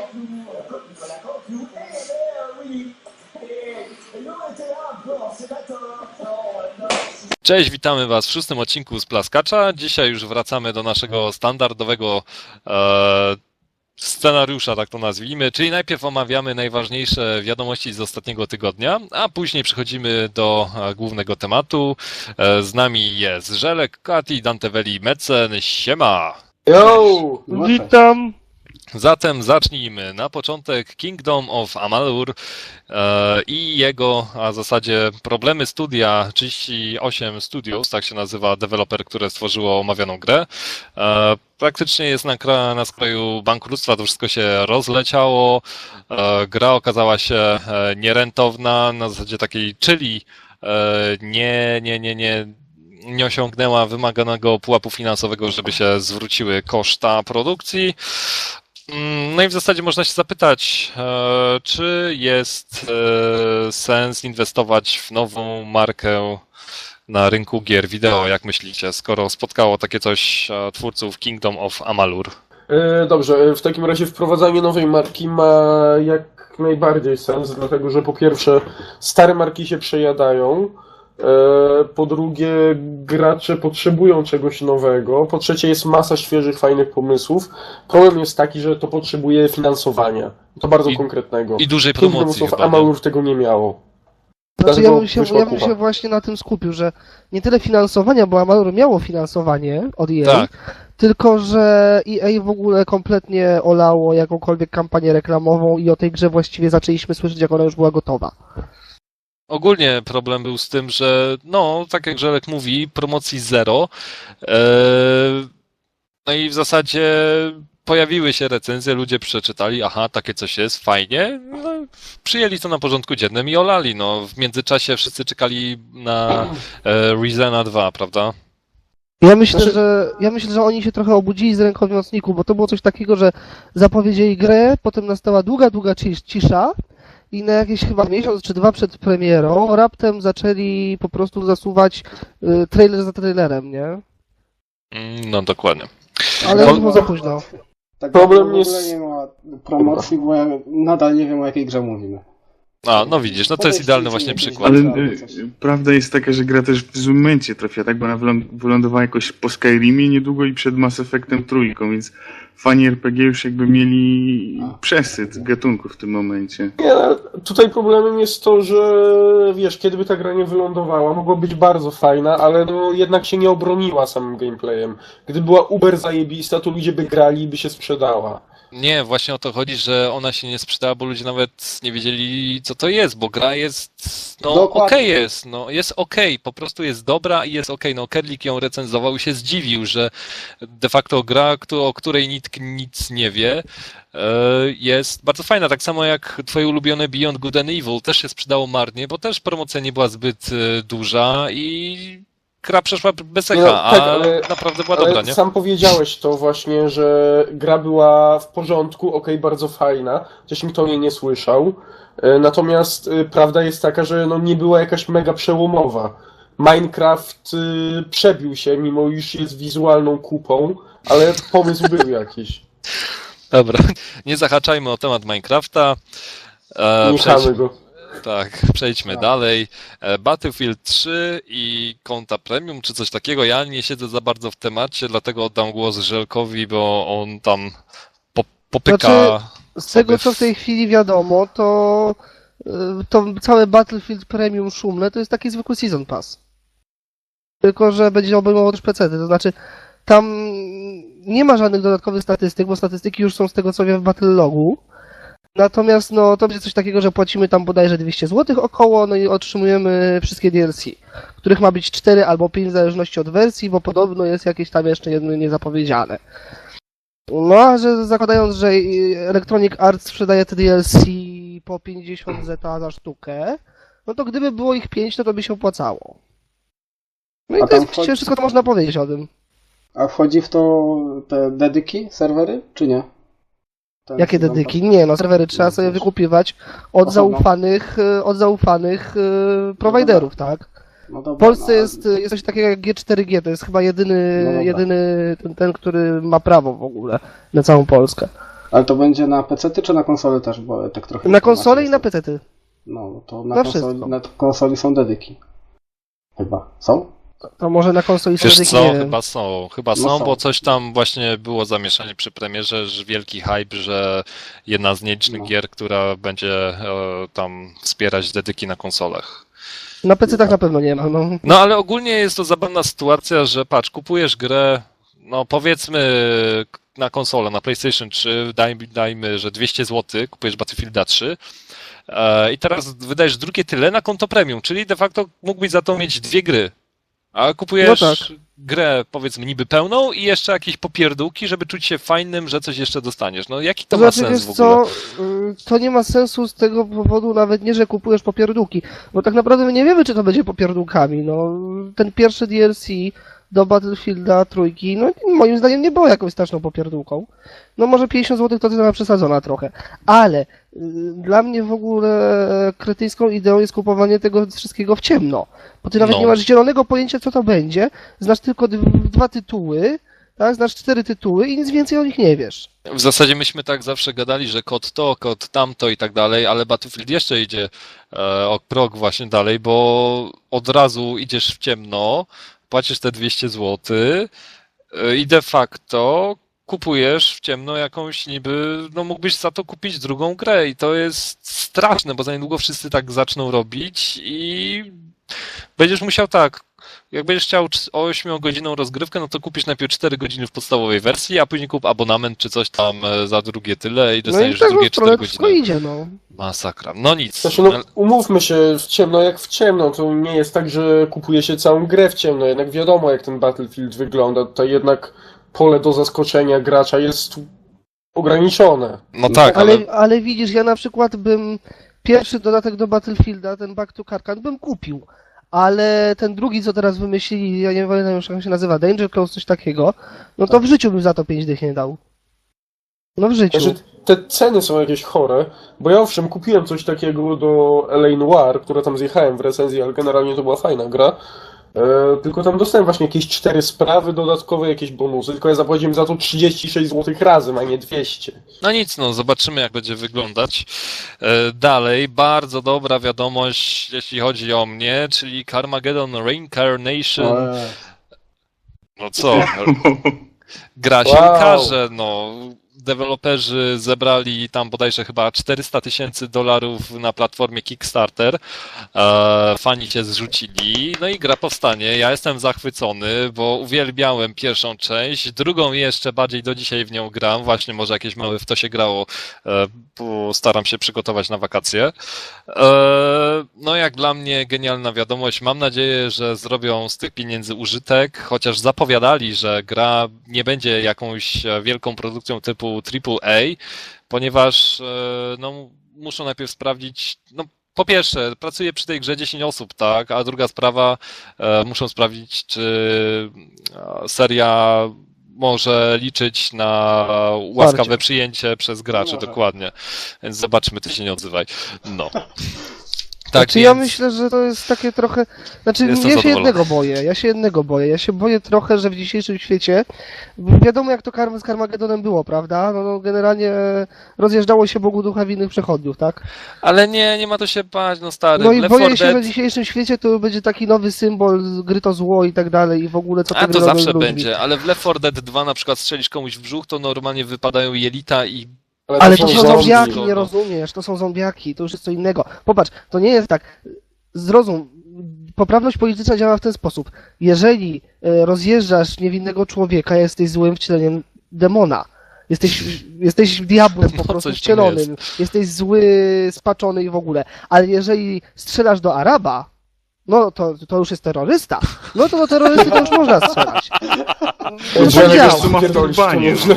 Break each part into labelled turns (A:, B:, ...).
A: Cześć, witamy Was w 6. odcinku z Plaskacza. Dzisiaj już wracamy do naszego standardowego scenariusza, tak to nazwijmy, czyli najpierw omawiamy najważniejsze wiadomości z ostatniego tygodnia, a później przechodzimy do głównego tematu. Z nami jest Żelek, Kati, Danteweli, Mecen. Siema!
B: Yo!
C: Witam!
A: Zatem zacznijmy. Na początek Kingdom of Amalur i jego, a w zasadzie problemy studia 38 Studios, tak się nazywa deweloper, które stworzyło omawianą grę. Praktycznie jest na skraju bankructwa, to wszystko się rozleciało. Gra okazała się nierentowna, na zasadzie takiej, czyli nie osiągnęła wymaganego pułapu finansowego, żeby się zwróciły koszta produkcji. No i w zasadzie można się zapytać, czy jest sens inwestować w nową markę na rynku gier wideo, jak myślicie, skoro spotkało takie coś twórców Kingdom of Amalur?
B: Dobrze, w takim razie wprowadzanie nowej marki ma jak najbardziej sens, dlatego że po pierwsze stare marki się przejadają, po drugie gracze potrzebują czegoś nowego, po trzecie jest masa świeżych, fajnych pomysłów. Problem jest taki, że to potrzebuje finansowania, to bardzo konkretnego.
A: I dużej promocji.
B: Kingdom of Amalur tego nie miało.
C: Znaczy ja bym się właśnie na tym skupił, że nie tyle finansowania, bo Amalur miało finansowanie od EA,
A: Tak.
C: tylko że EA w ogóle kompletnie olało jakąkolwiek kampanię reklamową i o tej grze właściwie zaczęliśmy słyszeć, jak ona już była gotowa.
A: Ogólnie problem był z tym, że no, tak jak Żelek mówi, promocji zero. No i w zasadzie pojawiły się recenzje, ludzie przeczytali, aha, takie coś jest, fajnie, no, przyjęli to na porządku dziennym i olali. No, w międzyczasie wszyscy czekali na Reasona 2, prawda?
C: Ja myślę, że oni się trochę obudzili z ręką w nocniku, bo to było coś takiego, że zapowiedzieli grę, potem nastała długa cisza i na jakieś chyba miesiąc czy dwa przed premierą raptem zaczęli po prostu zasuwać trailer za trailerem, nie?
A: No, dokładnie.
C: Ale już było za późno.
D: Tak,
B: Problem
D: w ogóle
B: jest-
D: nie ma promocji, bo ja nadal nie wiem, o jakiej grze mówimy.
A: A, no widzisz, no to jest idealny właśnie przykład.
E: Ale prawda jest taka, że gra też w złym momencie trafia, tak? Bo ona wylądowała jakoś po Skyrimie niedługo i przed Mass Effectem trójką, więc fani RPG już jakby mieli przesyt gatunku w tym momencie.
B: Nie, tutaj problemem jest to, że wiesz, kiedy by ta gra nie wylądowała, mogła być bardzo fajna, ale no jednak się nie obroniła samym gameplayem. Gdyby była uber zajebista, to ludzie by grali i by się sprzedała.
A: Nie, właśnie o to chodzi, że ona się nie sprzedała, bo ludzie nawet nie wiedzieli, co to jest, bo gra jest, no
D: Dokładnie.
A: okej jest, no jest okej, po prostu jest dobra i jest okej. No Kerlik ją recenzował i się zdziwił, że de facto gra, o której nikt nic nie wie, jest bardzo fajna, tak samo jak twoje ulubione Beyond Good and Evil, też się sprzedało marnie, bo też promocja nie była zbyt duża i gra przeszła bez echa,
B: Nie, no, tak, ale-
A: naprawdę była
B: Ale
A: dobra, nie?
B: sam powiedziałeś to właśnie, że gra była w porządku, okej, bardzo fajna, chociaż nikt o niej nie słyszał. Natomiast prawda jest taka, że no nie była jakaś mega przełomowa. Minecraft przebił się, mimo iż jest wizualną kupą, ale pomysł był jakiś.
A: Dobra, nie zahaczajmy o temat Minecrafta.
B: Nie chamy go.
A: Tak, przejdźmy dalej. Battlefield 3 i konta premium, czy coś takiego. Ja nie siedzę za bardzo w temacie, dlatego oddam głos Żelkowi, bo on tam popyka.
C: Znaczy, z tego co w tej chwili wiadomo, to całe Battlefield Premium szumne to jest taki zwykły Season Pass. Tylko że będzie obejmował też PC-ty, to znaczy tam nie ma żadnych dodatkowych statystyk, bo statystyki już są z tego co wiem w Battle Logu. Natomiast no to będzie coś takiego, że płacimy tam bodajże 200 zł około, no i otrzymujemy wszystkie DLC, których ma być 4 albo 5 w zależności od wersji, bo podobno jest jakieś tam jeszcze jedno niezapowiedziane. No a że zakładając, że Electronic Arts sprzedaje te DLC po 50 zeta za sztukę, no to gdyby było ich 5, to by się opłacało. No i
D: A
C: to jest
D: tam
C: właściwie wszystko, co można powiedzieć o tym.
D: A wchodzi w to te dedyki, serwery, czy nie? Ten
C: Jakie
D: Season
C: dedyki?
D: Pass?
C: Nie, no serwery trzeba sobie wykupywać od
D: Osobno.
C: zaufanych prowajderów, tak?
D: No
C: W
D: dobra,
C: Polsce
D: no,
C: jest coś takiego jak G4G, to jest chyba
D: No dobra.
C: jedyny ten, który ma prawo w ogóle na całą Polskę.
D: Ale to będzie na PC-ty czy na konsolę też, bo tak trochę...
C: Na konsolę i na PC-ty.
D: No, to
C: Na
D: na konsoli są dedyki. Chyba. Są?
C: To może na konsoli
A: Wiesz
C: sobie
A: co,
C: nie wiem.
A: chyba
D: No
A: są,
D: są.
A: bo coś tam właśnie było zamieszanie przy premierze, że wielki hype, że jedna z nielicznych
D: No.
A: gier, która będzie tam wspierać dedyki na konsolach.
C: Na PC-tach na pewno nie ma, no.
A: No ale ogólnie jest to zabawna sytuacja, że patrz, kupujesz grę, no powiedzmy na konsolę, na PlayStation 3, dajmy, że 200 zł, kupujesz Battlefielda 3 i teraz wydajesz drugie tyle na konto premium, czyli de facto mógłbyś za to mieć dwie gry. A kupujesz
C: No tak.
A: grę, powiedzmy, niby pełną i jeszcze jakieś popierdółki, żeby czuć się fajnym, że coś jeszcze dostaniesz. No jaki to
C: To
A: ma
C: znaczy,
A: sens
C: wiesz
A: w ogóle?
C: co, to nie ma sensu z tego powodu nawet nie, że kupujesz popierdółki, bo tak naprawdę my nie wiemy, czy to będzie popierdółkami, no. Ten pierwszy DLC do Battlefielda trójki, no moim zdaniem nie było jakąś straszną popierdółką. No może 50 zł to cena przesadzona trochę, ale dla mnie w ogóle kretyńską ideą jest kupowanie tego wszystkiego w ciemno, bo ty nawet
A: No.
C: nie masz zielonego pojęcia, co to będzie, znasz tylko dwa tytuły, tak, znasz 4 tytuły i nic więcej o nich nie wiesz.
A: W zasadzie myśmy tak zawsze gadali, że kod to, kod tamto i tak dalej, ale Battlefield jeszcze idzie o krok właśnie dalej, bo od razu idziesz w ciemno, płacisz te 200 zł i de facto kupujesz w ciemno jakąś niby, no mógłbyś za to kupić drugą grę i to jest straszne, bo za niedługo wszyscy tak zaczną robić i będziesz musiał tak, jak będziesz chciał 8-godzinną rozgrywkę, no to kupisz najpierw 4 godziny w podstawowej wersji, a później kup abonament czy coś tam za drugie tyle i
C: No i
A: dostaniesz
C: tak
A: drugie
C: w stronę
A: 4
C: wszystko
A: godziny.
C: idzie, no.
A: Masakra. No nic.
B: Znaczy, no, umówmy się, w ciemno jak w ciemno, to nie jest tak, że kupuje się całą grę w ciemno, jednak wiadomo jak ten Battlefield wygląda, tutaj jednak pole do zaskoczenia gracza jest ograniczone.
A: No tak,
C: Ale widzisz, ja na przykład bym pierwszy dodatek do Battlefielda, ten Back to Karkan, bym kupił. Ale ten drugi, co teraz wymyślili, ja nie pamiętam już jak się nazywa, Danger Close, coś takiego, no to w życiu bym za to 5 dych nie dał. No w życiu.
B: Znaczy, te ceny są jakieś chore, bo ja owszem kupiłem coś takiego do LA Noire, które tam zjechałem w recenzji, ale generalnie to była fajna gra. Tylko tam dostałem właśnie jakieś 4 sprawy dodatkowe, jakieś bonusy, tylko ja zapłaciłem za to 36 zł razem, a nie 200.
A: no nic, no zobaczymy jak będzie wyglądać. Dalej, bardzo dobra wiadomość, jeśli chodzi o mnie, czyli Carmageddon Reincarnation. No co? Gra się
B: Wow.
A: ukaże, no. Deweloperzy zebrali tam bodajże chyba $400,000 na platformie Kickstarter. Fani się zrzucili, no i gra powstanie. Ja jestem zachwycony, bo uwielbiałem pierwszą część, drugą jeszcze bardziej do dzisiaj w nią gram. Właśnie może jakieś małe w to się grało, bo staram się przygotować na wakacje. No jak dla mnie genialna wiadomość. Mam nadzieję, że zrobią z tych pieniędzy użytek, chociaż zapowiadali, że gra nie będzie jakąś wielką produkcją typu AAA, ponieważ no, muszą najpierw sprawdzić, no po pierwsze, pracuje przy tej grze 10 osób, tak, a druga sprawa, muszą sprawdzić, czy seria może liczyć na łaskawe
C: Wsparcie.
A: przyjęcie przez graczy,
D: Może.
A: dokładnie. Więc zobaczmy, ty się nie odzywaj. No. Tak,
C: Znaczy ja
A: więc-
C: myślę, że to jest takie trochę... Znaczy
A: Jestem
C: ja się
A: zadowolony.
C: jednego boję, ja się boję trochę, że w dzisiejszym świecie, wiadomo jak to z Carmagedonem było, prawda? No generalnie rozjeżdżało się Bogu ducha winnych przechodniów, tak?
A: Ale nie ma to się bać, no stary.
C: No i
A: Left
C: boję
A: 4
C: się,
A: Dead-
C: że w dzisiejszym świecie to będzie taki nowy symbol, gry to zło i tak dalej i w ogóle co te
A: A
C: gry
A: to
C: robią
A: zawsze
C: z ludźmi.
A: będzie, ale w Left 4 Dead 2 na przykład strzelisz komuś w brzuch, to normalnie wypadają jelita i
C: Ale to są
A: zombie,
C: zombiaki,
A: no.
C: nie rozumiesz, to są zombiaki, to już jest co innego. Popatrz, to nie jest tak, zrozum, poprawność polityczna działa w ten sposób. Jeżeli rozjeżdżasz niewinnego człowieka, jesteś złym wcieleniem demona. Jesteś diabłem po
A: No,
C: prostu
A: coś w tym
C: wcielonym, jesteś zły, spaczony i w ogóle. Ale jeżeli strzelasz do Araba, no to już jest terrorysta. No to do terrorysty to już można strzelać. To tak
B: Janek,
C: działa.
B: wiesz, co ma pierdolisz, to
E: Panie.
B: można.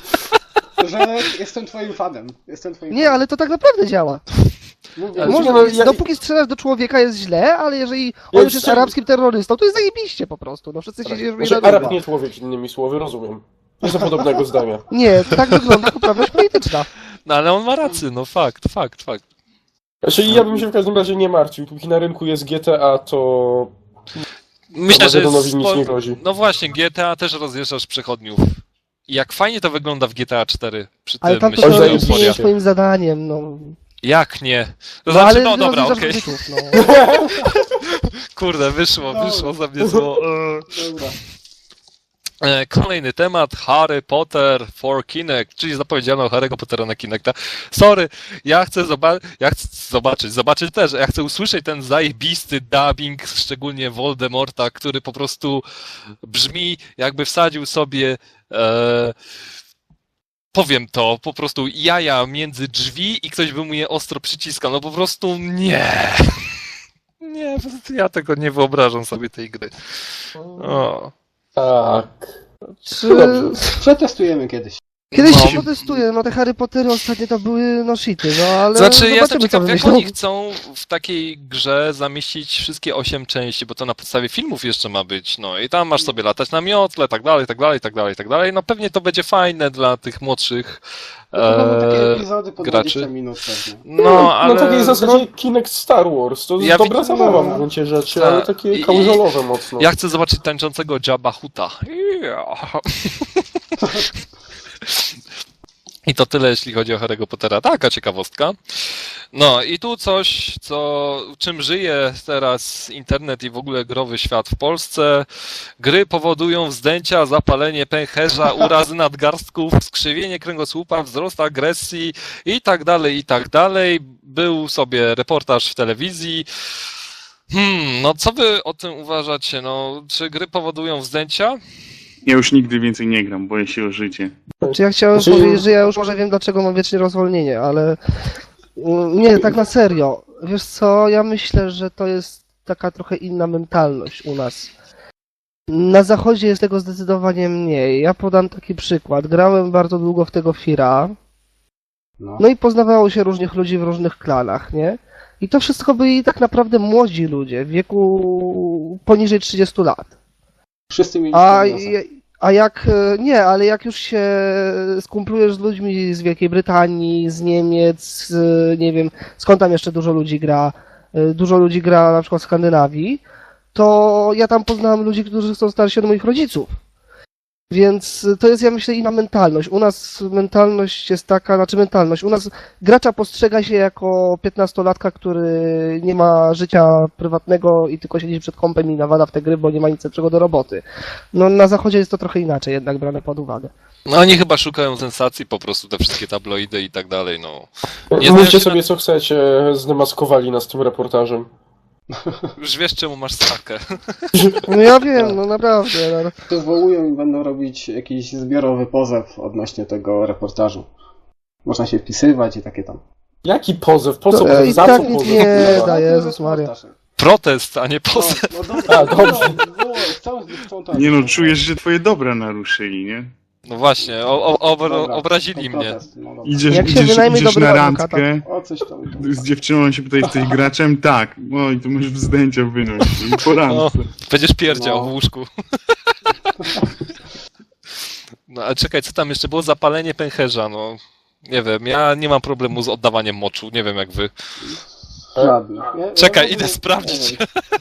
D: Że jestem twoim fanem. Jestem twoim
C: Nie, ale to tak naprawdę działa.
D: Mówię,
B: Ale
C: Można,
B: no, ja-
C: dopóki strzelasz do człowieka jest źle, ale jeżeli on już jest
B: jeszcze-
C: arabskim terrorystą, to jest zajebiście po prostu. No wszyscy się dzieją
B: Znaczy, Arab nie człowiek, innymi słowy, rozumiem. Nie są podobnego zdania.
C: Nie, tak wygląda poprawność polityczna.
A: No ale on ma rację, no fakt.
B: Znaczy, ja bym się w każdym razie nie martwił. Póki na rynku jest GTA, to
A: Myślę, że
B: Armagedonowi nic nie grozi.
A: No właśnie, GTA też rozjeżdżasz przechodniów. jak fajnie to wygląda w GTA 4 przy
C: Ale
A: tym
C: tam to
A: myśleniu
B: zajebiście.
C: nie
A: euforia.
C: jest moim zadaniem, no.
A: Jak nie? To
C: No
A: znaczy,
C: ale
A: no dobra,
C: rozliczasz
A: okej.
C: kredytów, no.
A: Kurde, wyszło za mnie zło.
D: Dobra.
A: Kolejny temat, Harry Potter for Kinect, czyli zapowiedziano Harry'ego Pottera na Kinecta. Sorry, ja chcę zobaczyć też, ja chcę usłyszeć ten zajebisty dubbing, szczególnie Voldemorta, który po prostu brzmi jakby wsadził sobie powiem to, po prostu jaja między drzwi i ktoś by mu je ostro przyciskał, no po prostu nie. Nie, po prostu ja tego nie wyobrażam sobie tej gry. O.
B: Tak.
C: Czy...
D: Przetestujemy kiedyś.
C: Kiedyś
A: No.
C: się protestuję, no te Harry Pottery ostatnio to były no shity, no ale
A: Znaczy, ja jestem
C: zobaczymy co
A: ciekaw, jak
C: wymyślą.
A: oni chcą w takiej grze zamieścić wszystkie 8 części, bo to na podstawie filmów jeszcze ma być, no i tam masz sobie latać na miotle, tak dalej, tak dalej, tak dalej, tak dalej. No pewnie to będzie fajne dla tych młodszych
D: To będą takie epizody po
A: graczy.
D: 20 minut pewnie.
A: No, ale...
B: Na takiej zasadzie Kinect Star Wars, to jest
A: Ja
B: dobra
A: widzę-
B: zabawa
D: no.
B: w gruncie rzeczy,
A: Tak.
B: ale takie
A: I-
B: kałużolowe mocno.
A: Ja chcę zobaczyć tańczącego Jabba Hutta. Yeah. I to tyle, jeśli chodzi o Harry'ego Pottera. Taka ciekawostka. No i tu coś, czym żyje teraz internet i w ogóle growy świat w Polsce. Gry powodują wzdęcia, zapalenie pęcherza, urazy nadgarstków, skrzywienie kręgosłupa, wzrost agresji i tak dalej, i tak dalej. Był sobie reportaż w telewizji. No co wy o tym uważacie? No, czy gry powodują wzdęcia?
E: Ja już nigdy więcej nie gram, boję się o życie.
C: Czy ja chciałem
B: Znaczy-
C: powiedzieć, że ja już może wiem, dlaczego mam wiecznie rozwolnienie, ale nie, tak na serio. Wiesz co, ja myślę, że to jest taka trochę inna mentalność u nas. Na zachodzie jest tego zdecydowanie mniej. Ja podam taki przykład. Grałem bardzo długo w tego Fira, no i poznawało się różnych ludzi w różnych klanach, nie? I to wszystko byli tak naprawdę młodzi ludzie w wieku poniżej 30 lat.
D: Wszyscy mieli
C: A,
D: Star
C: a jak nie, ale jak już się skumplujesz z ludźmi z Wielkiej Brytanii, z Niemiec, nie wiem, skąd tam jeszcze dużo ludzi gra na przykład w Skandynawii, to ja tam poznałem ludzi, którzy są starsi od moich rodziców. Więc to jest, ja myślę, inna mentalność. U nas mentalność jest taka, u nas gracza postrzega się jako 15-latka, który nie ma życia prywatnego i tylko siedzi przed kompem i nawala w te gry, bo nie ma nic lepszego do roboty. No na zachodzie jest to trochę inaczej jednak brane pod uwagę.
A: No oni chyba szukają sensacji, po prostu te wszystkie tabloidy i tak dalej, no. Nie
B: Mówcie
A: znają się
B: sobie co chcecie, zdemaskowali nas tym reportażem.
A: Już wiesz, czemu masz sakę.
C: No ja wiem, no naprawdę. No.
D: To zwołują i będą robić jakiś zbiorowy pozew odnośnie tego reportażu. Można się wpisywać i takie tam.
B: Jaki pozew? Po co
C: To,
B: pozew?
C: i
B: Za
C: tak
B: co
C: nic
B: pozew?
C: nie
B: kurwa?
C: da, Jezus Maria.
A: Protest, a nie pozew.
D: No dobra,
B: A, dobrze.
D: chcą tak.
E: Nie no, czujesz, że twoje dobra naruszyli, nie?
A: No właśnie,
D: Dobra,
A: obrazili
D: to
A: mnie.
D: protest, no dobra.
C: Jak się wynajmie
E: idziesz
C: dobrego
E: na
C: adwokata.
E: randkę,
D: O, coś tam.
E: z dziewczyną on się pyta, jesteś graczem? Tak. No i to możesz wzdęcia wynosić. I po
A: No,
E: randce.
A: będziesz pierdział
D: No.
A: w łóżku. No ale czekaj, co tam jeszcze było? Zapalenie pęcherza, no. Nie wiem, ja nie mam problemu z oddawaniem moczu, nie wiem jak wy.
D: Ładnie.
A: Czekaj, idę sprawdzić.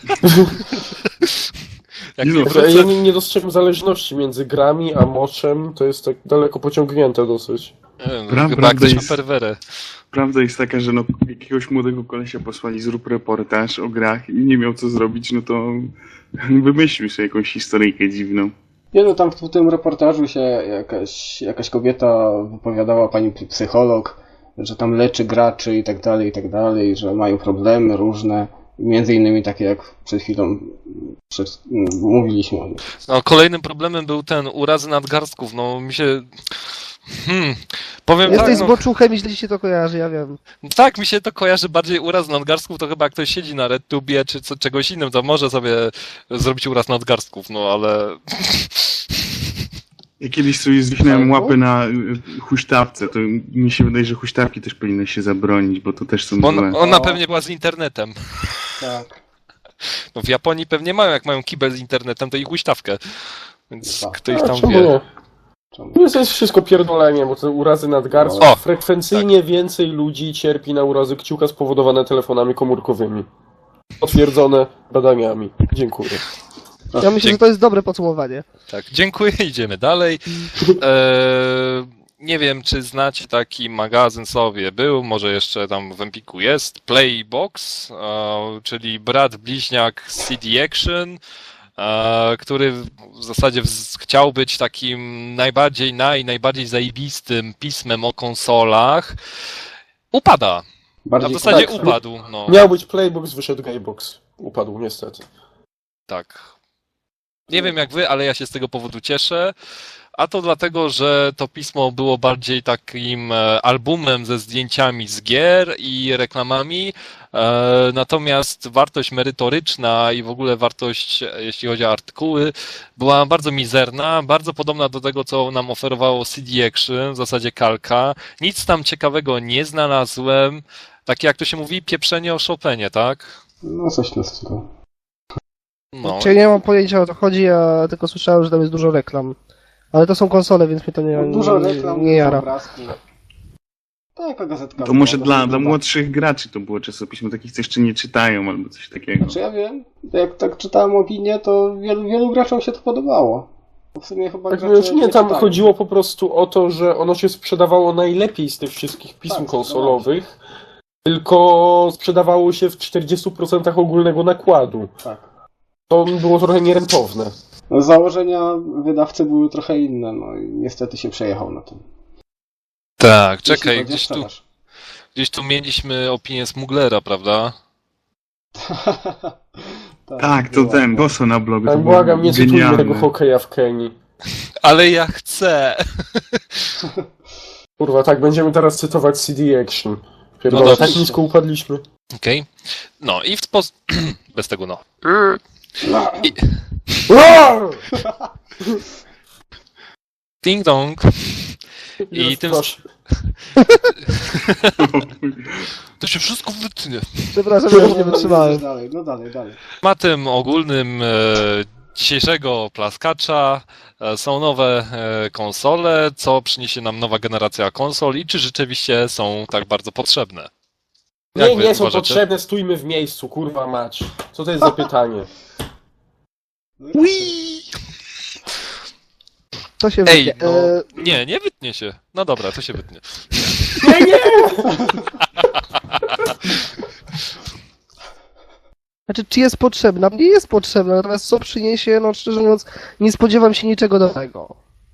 A: Jak
E: Nie
A: nie
E: no,
B: Ja
A: wrócę...
B: nie dostrzegam zależności między grami a moczem, to jest tak daleko pociągnięte dosyć.
A: Nie wiem,
E: Prawda
A: chyba jak ktoś ma
E: jest-
A: perwerę.
E: Prawda jest taka, że no, jakiegoś młodego kolesia posłali, zrób reportaż o grach i nie miał co zrobić, no to wymyślił sobie jakąś historyjkę dziwną.
D: Nie no, tam w tym reportażu się jakaś kobieta wypowiadała, pani psycholog, że tam leczy graczy i tak dalej, że mają problemy różne, między innymi takie jak przed chwilą mówiliśmy o nich.
A: No, kolejnym problemem był ten urazy nadgarstków, no mi się... Powiem
C: Jesteś
A: tak,
C: z
A: no,
C: boczuchem i źle ci się to kojarzy, ja wiem.
A: tak, mi się to kojarzy bardziej uraz nadgarstków, to chyba jak ktoś siedzi na RedTubie czy czegoś innym, to może sobie zrobić uraz nadgarstków, no ale...
E: Ja kiedyś sobie zwichnąłem
D: Ale
E: łapy na huśtawce, to mi się wydaje, że huśtawki też powinny się zabronić, bo to też są
A: Bo
E: złe.
A: ona pewnie była z internetem.
D: Tak.
A: No w Japonii pewnie mają, jak mają kibel z internetem, to i huśtawkę. Więc
D: Tak.
A: kto ich
B: A,
A: tam
B: czemu
A: wie.
B: nie?
D: Czemu?
B: To jest wszystko pierdolenie, bo te urazy nadgarstków.
A: O,
B: Frekwencyjnie więcej ludzi cierpi na urazy kciuka spowodowane telefonami komórkowymi. Potwierdzone badaniami. Dziękuję.
C: Ja myślę, że to jest dobre podsumowanie.
A: Tak, dziękuję, idziemy dalej. Nie wiem, czy znacie taki magazyn sobie, był, może jeszcze tam w Empiku jest, Playbox, czyli brat bliźniak CD Action, który w zasadzie chciał być takim najbardziej zajebistym pismem o konsolach. Upada.
D: Bardziej
A: W zasadzie
B: tak.
A: upadł. No,
B: Miał być Playbox, wyszedł Gamebox. Upadł, niestety.
A: tak. Nie wiem jak wy, ale ja się z tego powodu cieszę. A to dlatego, że to pismo było bardziej takim albumem ze zdjęciami z gier i reklamami, natomiast wartość merytoryczna i w ogóle wartość, jeśli chodzi o artykuły, była bardzo mizerna, bardzo podobna do tego, co nam oferowało CD Action, w zasadzie kalka. Nic tam ciekawego nie znalazłem. Takie, jak to się mówi, pieprzenie o Chopinie, tak?
D: No coś na stylu.
A: No.
C: Czyli nie mam pojęcia o co chodzi, ja tylko słyszałem, że tam jest dużo reklam. Ale to są konsole, więc mnie to
D: Dużo reklam,
C: nie jara.
D: obrazki. Taka gazetka.
E: To może
D: była,
E: dla młodszych graczy to było czasopismo, takich, co jeszcze nie czytają albo coś takiego.
D: Znaczy ja wiem, jak tak czytałem opinię, to wielu graczom się to podobało. Bo w sumie chyba
B: Tak,
D: gracze
B: znaczy nie, tam
D: czytają.
B: chodziło po prostu o to, że ono się sprzedawało najlepiej z tych wszystkich pism
D: Tak,
B: konsolowych, tylko sprzedawało się w 40% ogólnego nakładu.
D: Tak.
B: To było trochę nierentowne.
D: No, założenia wydawcy były trochę inne, no i niestety się przejechał na tym.
A: Tak,
D: Jeśli
A: czekaj,
D: chodzi o sprzedaż.
A: gdzieś tu mieliśmy opinię Smuglera, prawda?
E: Tak, to
D: była.
E: ten, Boso na blogu.
B: Tak,
E: to było
B: błagam, nie cytuj
E: genialne.
B: tego hokeja w Kenii.
A: Ale ja chcę!
B: Kurwa, tak, będziemy teraz cytować CD Action. Pierdolę,
A: No
B: tak
A: dobrze.
B: nisko upadliśmy.
A: Okej. No i w sposób... Bez tego no.
D: No,
A: Ding dong. I tym...
B: Proszę.
A: To się wszystko wytnie.
C: Przepraszam, że już nie wytrzymałem.
D: Dalej, no dalej.
A: Tematem ogólnym dzisiejszego plaskacza są nowe konsole, co przyniesie nam nowa generacja konsol i czy rzeczywiście są tak bardzo potrzebne. Jak
B: Nie,
A: wy
B: nie są
A: uważacie?
B: potrzebne, stójmy w miejscu, kurwa mać. Co to jest za pytanie?
A: Whee!
C: To się
A: Ej,
C: wytnie.
A: no, nie wytnie się. No dobra, to się wytnie.
C: Znaczy, czy jest potrzebna? Nie jest potrzebna, natomiast co przyniesie, no szczerze mówiąc, nie spodziewam się niczego nowego.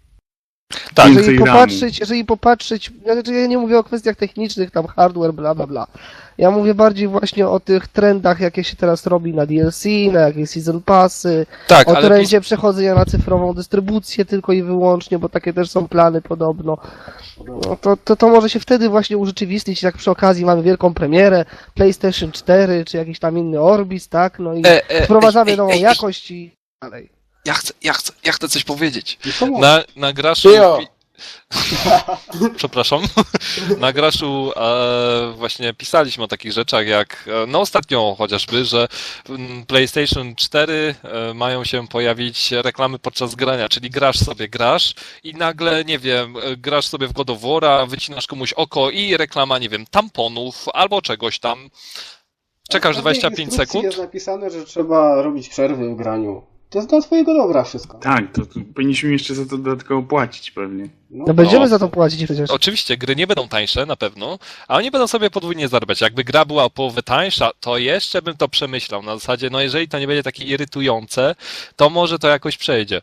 A: Tak,
E: Więcej ramu.
C: Jeżeli popatrzeć, znaczy ja nie mówię o kwestiach technicznych, tam hardware, bla bla bla. Ja mówię bardziej właśnie o tych trendach, jakie się teraz robi na DLC, na jakieś season passy,
A: tak,
C: o
A: ale
C: trendzie przechodzenia na cyfrową dystrybucję tylko i wyłącznie, bo takie też są plany podobno. No to może się wtedy właśnie urzeczywistnić, jak przy okazji mamy wielką premierę, PlayStation 4 czy jakiś tam inny Orbis, tak? No i wprowadzamy nową jakość i dalej.
A: Ja chcę coś powiedzieć.
D: I co
A: Na Graszu...
B: Tyjo.
A: Przepraszam. Na Graszu właśnie pisaliśmy o takich rzeczach jak, no ostatnio chociażby, że w PlayStation 4 mają się pojawić reklamy podczas grania, czyli grasz i nagle, nie wiem, grasz sobie w God of War'a, wycinasz komuś oko i reklama, nie wiem, tamponów albo czegoś tam. Czekasz
D: W każdej
A: 25
D: instrukcji
A: sekund.
D: jest napisane, że trzeba robić przerwy w graniu. To jest dla twojego dobra wszystko.
E: Tak, to powinniśmy jeszcze za to dodatkowo płacić pewnie.
C: No będziemy za to płacić przecież.
A: Oczywiście, gry nie będą tańsze na pewno, a oni będą sobie podwójnie zarabiać. Jakby gra była o połowę tańsza, to jeszcze bym to przemyślał. Na zasadzie, no jeżeli to nie będzie takie irytujące, to może to jakoś przejdzie.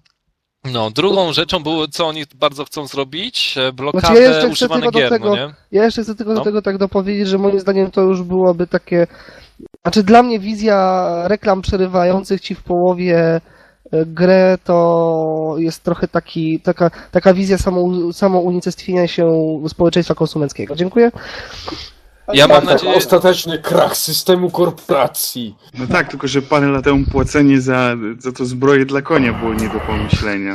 A: No, drugą rzeczą było, co oni bardzo chcą zrobić, blokadę
C: Znaczy, ja jeszcze chcę
A: używanych
C: tylko do
A: gier,
C: tego-
A: no nie?
C: Ja jeszcze chcę tylko
A: No.
C: do tego tak dopowiedzieć, że moim zdaniem to już byłoby takie... Znaczy dla mnie wizja reklam przerywających ci w połowie grę to jest trochę taka wizja samounicestwienia się społeczeństwa konsumenckiego. Dziękuję.
A: Ja mam
B: Tak,
A: nadzieję...
B: ostateczny krach systemu korporacji.
E: No tak, tylko że parę lat temu płacenie za to zbroję dla konia było nie do pomyślenia.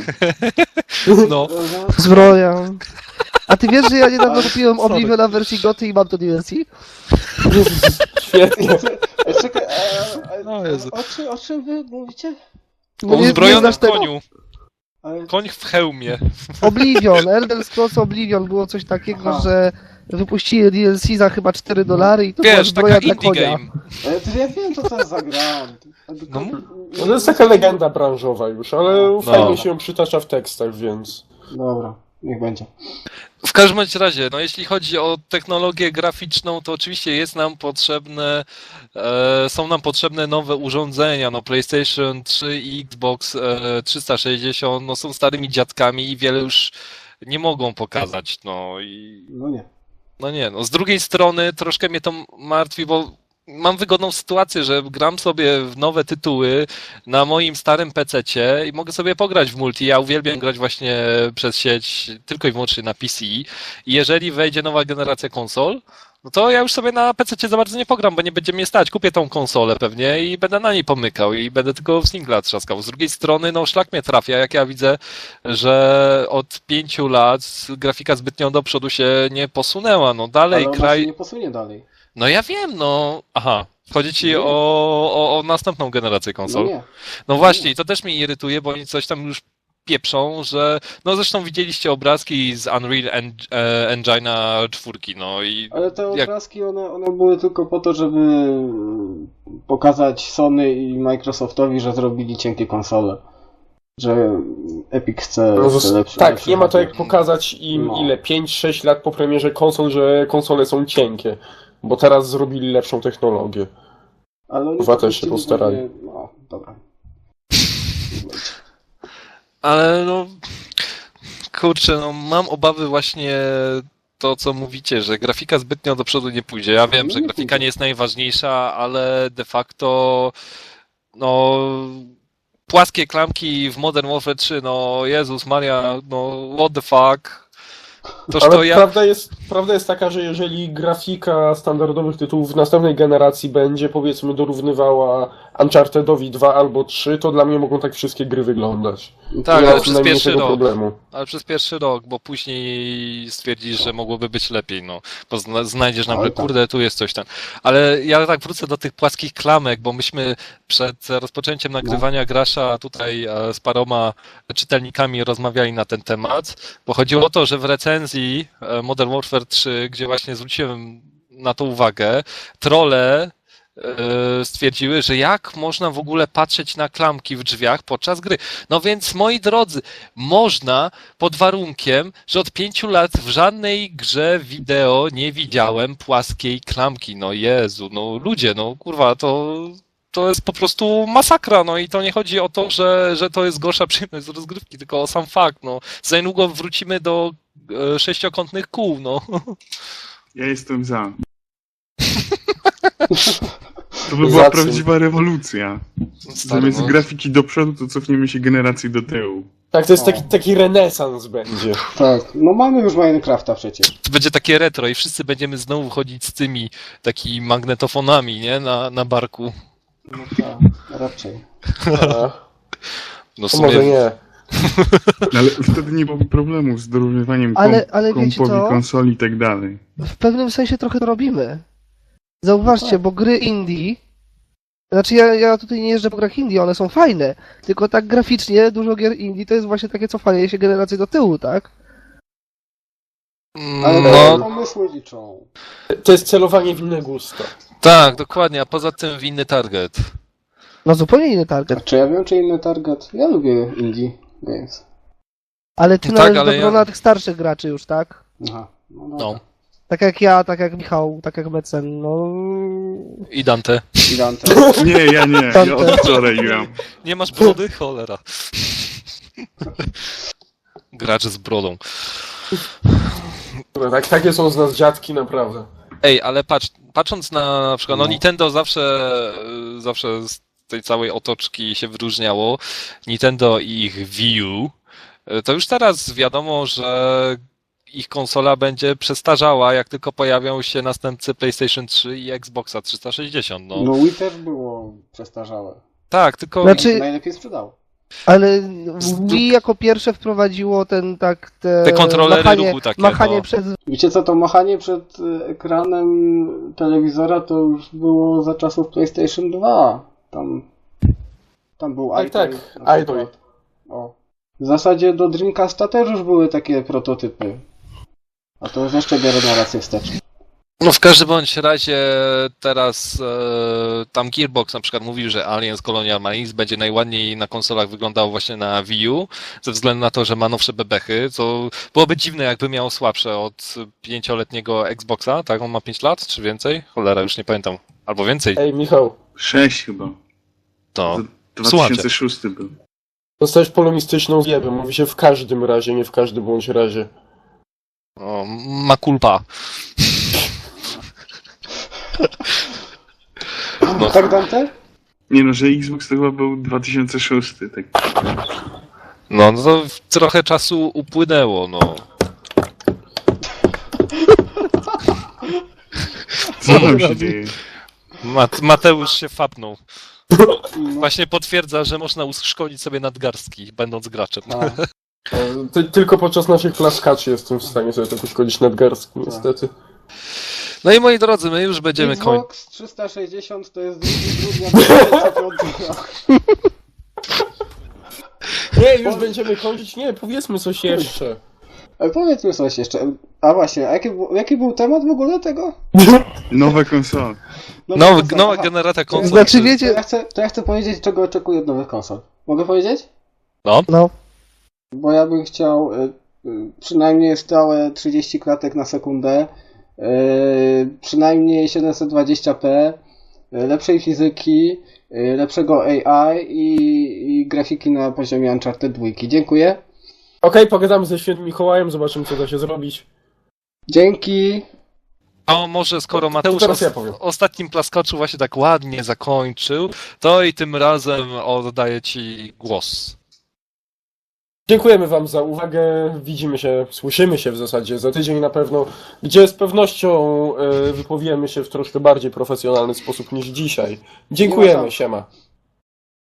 A: No,
C: Zbroja. A ty wiesz, że ja niedawno kupiłem Obliviona w wersji GOTY i mam to DLC?
B: Świetnie.
D: Czekaj,
A: No Jezu.
D: o czym wy mówicie?
A: o
C: Nie
A: uzbrojonym
C: znasz tego?
A: koniu.
D: Ale
A: Koń w hełmie.
C: Oblivion, Elder Scrolls Oblivion było coś takiego,
D: Aha.
C: że wypuścili DLC za chyba $4 i to była
A: Wiesz,
C: zbroja
A: taka
C: dla
A: indie
C: konia.
A: game.
D: to ja wiem, co to jest za gra.
A: No,
B: No to jest taka legenda branżowa już, ale
A: No.
B: fajnie się ją przytacza w tekstach, więc...
D: Dobra, niech będzie.
A: W każdym bądź razie, no jeśli chodzi o technologię graficzną, to oczywiście jest nam potrzebne, są nam potrzebne nowe urządzenia, no PlayStation 3 i Xbox 360, no są starymi dziadkami i wiele już nie mogą pokazać, no i
D: No nie.
A: no nie, no z drugiej strony troszkę mnie to martwi, bo mam wygodną sytuację, że gram sobie w nowe tytuły na moim starym PC-cie i mogę sobie pograć w multi. Ja uwielbiam grać właśnie przez sieć tylko i wyłącznie na PC. I jeżeli wejdzie nowa generacja konsol, no to ja już sobie na PC-cie za bardzo nie pogram, bo nie będzie mnie stać. Kupię tą konsolę pewnie i będę na niej pomykał i będę tylko w singla trzaskał. Z drugiej strony, no szlak mnie trafia, jak ja widzę, że od 5 lat grafika zbytnio do przodu się nie posunęła. No dalej
D: Ale ona
A: kraj...
D: się nie posunie dalej.
A: No ja wiem, no. Aha. Chodzi ci
D: Nie.
A: o następną generację
D: No
A: konsol.
D: nie.
A: No właśnie, i to też mnie irytuje, bo oni coś tam już pieprzą, że... No zresztą widzieliście obrazki z Unreal Engine'a 4, no i...
D: Ale te
A: Jak-
D: obrazki, one były tylko po to, żeby pokazać Sony i Microsoftowi, że zrobili cienkie konsole. Że Epic chce,
B: No,
D: chce lepszy.
B: tak,
D: lepszy
B: nie ma to jak
D: hardware.
B: pokazać im
D: No.
B: ile, 5-6 lat po premierze konsol, że konsole są cienkie. Bo teraz zrobili lepszą technologię.
D: Ale oni
B: Chyba też się
D: puścili
B: postarali.
D: sobie- No, dobra.
A: Ale no... Kurczę, no mam obawy właśnie to, co mówicie, że grafika zbytnio do przodu nie pójdzie. Ja wiem,
D: No
A: że
D: nie
A: grafika
D: pójdzie.
A: nie jest najważniejsza, ale de facto... No... Płaskie klamki w Modern Warfare 3, no Jezus Maria, no what the fuck. Toż
B: Ale
A: to ja...
B: prawda jest taka, że jeżeli grafika standardowych tytułów w następnej generacji będzie, powiedzmy, dorównywała Unchartedowi 2 albo 3, to dla mnie mogą tak wszystkie gry wyglądać.
A: Tak,
B: Nie
A: ale
B: ma
A: przez
B: najmniejszego
A: pierwszy rok.
B: problemu.
A: Ale przez pierwszy rok, bo później stwierdzisz, że mogłoby być lepiej, no. Bo znajdziesz nagle,
D: Ale tak.
A: kurde, tu jest coś tam. Ale ja tak wrócę do tych płaskich klamek, bo myśmy przed rozpoczęciem nagrywania Grasza tutaj z paroma czytelnikami rozmawiali na ten temat, bo chodziło o to, że w recenzji Modern Warfare 3, gdzie właśnie zwróciłem na to uwagę, trolle stwierdziły, że jak można w ogóle patrzeć na klamki w drzwiach podczas gry. No więc, moi drodzy, można pod warunkiem, że od 5 lat w żadnej grze wideo nie widziałem płaskiej klamki. No Jezu, no ludzie, no kurwa, to jest po prostu masakra, no i to nie chodzi o to, że to jest gorsza przyjemność z rozgrywki, tylko o sam fakt, no. Za niedługo wrócimy do sześciokątnych kół, no.
E: Ja jestem za. To by
B: Za
E: była
B: co?
E: prawdziwa rewolucja.
A: Stary,
E: Zamiast
A: no.
E: grafiki do przodu, to cofniemy się generacji do tyłu.
B: Tak, to jest
D: O.
B: taki renesans będzie.
D: Tak, no mamy już Minecrafta przecież.
A: To będzie takie retro i wszyscy będziemy znowu chodzić z tymi takimi magnetofonami, nie? Na barku.
D: No tak, raczej.
B: A,
A: No w
B: to
A: sumie...
B: może nie.
E: No, ale wtedy nie byłoby problemu z dorównywaniem
C: Ale wiecie
E: kompowi,
C: co?
E: konsoli i tak dalej.
C: W pewnym sensie trochę to robimy. Zauważcie,
D: Tak.
C: bo gry indie, znaczy ja tutaj nie jeżdżę po grach indie, one są fajne, tylko tak graficznie dużo gier indie to jest właśnie takie cofanie się generacji do tyłu, tak?
D: Ale
A: No,
D: pomysły liczą.
B: To jest celowanie w inne gusta.
A: tak, dokładnie, a poza tym winny target.
C: No zupełnie inny
D: A
C: target.
D: czy ja wiem, czy inny target? Ja lubię indie, więc...
C: Ale ty
A: Tak,
C: należysz
A: ale
C: do grona tych starszych graczy już, tak?
D: Aha, no
A: No.
D: dobra.
C: Tak jak ja, tak jak Michał, tak jak Mecen, no...
A: I Dante.
D: I Dante.
E: Nie, ja nie. Ja od wczoraj gram.
A: Nie masz brody? Cholera. Gracz z brodą.
B: No, takie są z nas dziadki, naprawdę.
A: Ej, ale patrząc na przykład, no
D: No.
A: Nintendo zawsze z tej całej otoczki się wyróżniało. Nintendo i ich Wii U. To już teraz wiadomo, że ich konsola będzie przestarzała, jak tylko pojawią się następcy PlayStation 3 i Xboxa 360. No,
D: No Wii też było przestarzałe.
A: tak, tylko
C: Znaczy-
D: Czy... najlepiej sprzedało.
C: Ale Wii jako pierwsze wprowadziło
A: te kontrolery ruchu takie.
C: machanie
A: no.
C: przed...
D: Wiecie co, to machanie przed ekranem telewizora to już było za czasów PlayStation 2. Tam był
B: Tak,
D: iPad
B: tak,
D: na
B: iPad.
D: przykład. O. W zasadzie do Dreamcasta też już były takie prototypy. A to już jeszcze biorę narrację wstecz.
A: No w każdym bądź razie teraz tam Gearbox na przykład mówił, że Aliens Colonial Marines będzie najładniej na konsolach wyglądało właśnie na Wii U, ze względu na to, że ma nowsze bebechy, co byłoby dziwne, jakby miało słabsze od 5-letniego Xboxa, tak? On ma 5 lat, czy więcej? Cholera, już nie pamiętam. Albo więcej.
B: Ej, Michał,
E: 6 chyba.
A: To
E: 2006 był.
B: dostałeś polonistyczną zjebę. Mówi się w każdym razie, nie w każdym bądź razie.
A: o, ma kulpa. No.
D: Tak, Dante?
E: Nie no, że Xbox to chyba był 2006, tak.
A: No to trochę czasu upłynęło, no.
E: Co tam się dzieje?
A: Mateusz się fapnął.
D: No.
A: Właśnie potwierdza, że można uszkodzić sobie nadgarstki, będąc graczem.
D: A,
B: Tylko podczas naszych klaskaczy jestem w stanie sobie tak uszkodzić nadgarstki, niestety.
A: No i moi drodzy, my już będziemy kończyć.
D: Xbox 360 to jest 2 grudnia 2005 rok.
B: Nie, już będziemy kończyć. Nie, powiedzmy coś jeszcze.
D: Ale powiedzmy coś jeszcze. A właśnie, a jaki był temat w ogóle tego?
E: Nowe konsole.
A: Nowa
D: Aha.
A: generacja konsol.
C: Znaczy,
A: to jest-
C: wiecie-
D: To ja chcę powiedzieć, czego oczekuję od nowych konsol. Mogę powiedzieć?
C: No.
D: Bo ja bym chciał przynajmniej stałe 30 klatek na sekundę, przynajmniej 720p, lepszej fizyki, lepszego AI i grafiki na poziomie Uncharted 2. Dziękuję.
B: Okej, pogadamy ze Świętym Mikołajem, zobaczymy co da się zrobić.
D: Dzięki.
A: A może skoro Mateusz
B: teraz ja powiem.
A: ostatnim plaskaczu właśnie tak ładnie zakończył, to i tym razem oddaję Ci głos.
B: Dziękujemy Wam za uwagę. Widzimy się, słyszymy się w zasadzie za tydzień na pewno, gdzie z pewnością wypowiemy się w troszkę bardziej profesjonalny sposób niż dzisiaj. Dziękujemy, siema.